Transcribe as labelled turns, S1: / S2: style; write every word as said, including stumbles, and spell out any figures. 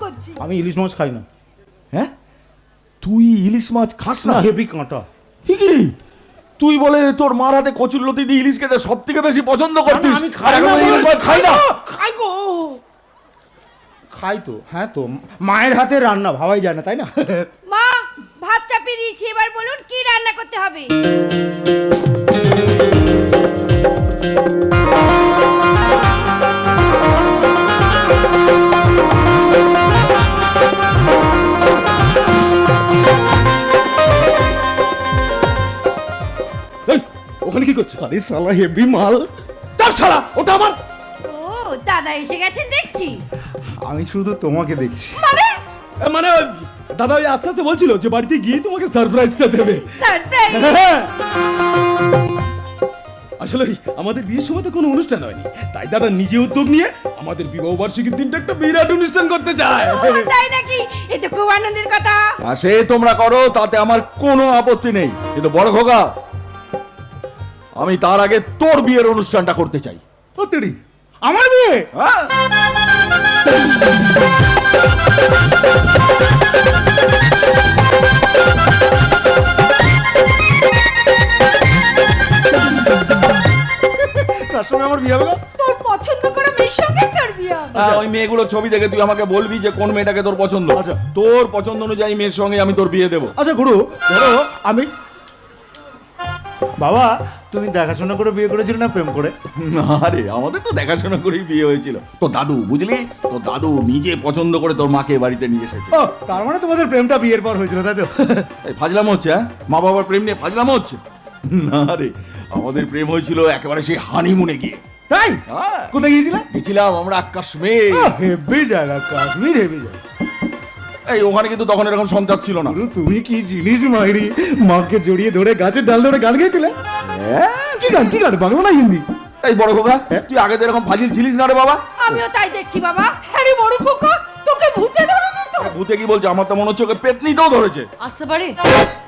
S1: করছি।
S2: আমি ইলিশ মাছ খাই না।
S3: হ্যাঁ, তুই ইলিশ মাছ খাস না?
S2: হেভি কাঁটা।
S3: কি তুই বলে তোর মার হাতে কচুরলতি দিয়ে ইলিশ খেতে সব থেকে বেশি পছন্দ করতিস?
S2: আমি খাই না,
S3: ইলিশ মাছ খাই না।
S2: খাই গো, খাই তো। হ্যাঁ তো, মায়ের হাতে রান্না ভাবাই যায় না, তাই না?
S1: মা, ভাত চাপিয়ে দিয়েছি, এবার বলুন কি রান্না করতে হবে।
S3: ওখানে কি করছিস?
S2: আরে শালা হেভি মাল।
S3: তার শালা, ওটা আমার।
S1: ও দাদা এসে গেছেন দেখছি।
S2: আমি শুধু তোমাকে দেখছি।
S1: মানে
S3: মানে দাদা ওই আস্তে আস্তে বলছিল যে বাড়িতে গিয়ে তোমাকে সারপ্রাইজটা দেবে।
S1: সারপ্রাইজ?
S3: আসলে আমাদের বিয়ের সময় তো কোনো অনুষ্ঠান হয়নি, তাই দাদা নিজে উদ্যোগ নিয়ে আমাদের বিবাহ বার্ষিকীর দিনটা একটা বিরাট অনুষ্ঠান করতে চায়।
S1: তাই নাকি? এই তো খুব আনন্দের কথা।
S3: আর সে তোমরা করো, তাতে আমার কোনো আপত্তি নেই, কিন্তু বড় খোকা, আমি তার আগে তোর বিয়ের অনুষ্ঠানটা করতে চাই।
S2: সত্যি আমার বিয়ে?
S3: হ্যাঁ,
S2: তার সঙ্গে আমার বিয়ে হবে?
S1: তোর পছন্দ করা মেয়ের সঙ্গেই তোর বিয়ে হবে।
S3: হ্যাঁ, ওই মেয়েগুলোর ছবি দেখে তুই আমাকে বলবি যে কোন মেয়েটাকে তোর পছন্দ।
S2: আচ্ছা।
S3: তোর পছন্দ অনুযায়ী মেয়ের সঙ্গে আমি তোর বিয়ে দেবো।
S2: আচ্ছা গুরু, ধরো আমি, বাবা তুমি দেখাশোনা করে বিয়ে করেছিলে না প্রেম করে?
S3: আরে আমাদের তো দেখাশোনা করেই বিয়ে হয়েছিল। তোর দাদু, বুঝলি, তোর দাদু নিজে পছন্দ করে তোর মাকে বাড়িতে নিয়ে এসেছে।
S2: ও, তার মানে তোমাদের প্রেমটা বিয়ের পর হয়েছিল, তাই তো?
S3: এই ফাজলামো হচ্ছে? হ্যাঁ, মা বাবার প্রেম নিয়ে ফাজলামো হচ্ছে? না রে, আমাদের প্রেম হয়েছিল একেবারে সেই হানিমুনে গিয়ে।
S2: তাই?
S3: হ্যাঁ,
S2: কোথায় গিয়েছিলে?
S3: গেছিলাম আমরা কাশ্মীর।
S2: হেভি জায়গা, কাশ্মীর হেভি জায়গা।
S3: এই ওখানে কিন্তু তখন এরকম সন্ত্রাস ছিল না।
S2: গুরু তুমি কি জিনিস মাইরি, মাকে জড়িয়ে ধরে গাছের ডাল ধরে গান গেয়েছিলে? কি গান, কি গান, বাংলা না হিন্দি?
S3: এই বড় খোকা, তুই আগে তো এরকম ফাজিল ছিলিস না রে বাবা।
S1: আমিও তাই দেখছি বাবা। হ্যাঁ রে বড় খোকা, তোকে ভূতে ধরেনি তো?
S3: আরে ভূতে কি বলছে, আমার তো মনে হচ্ছে ওকে পেতনিতেও ধরেছে।
S1: আসতে পারে।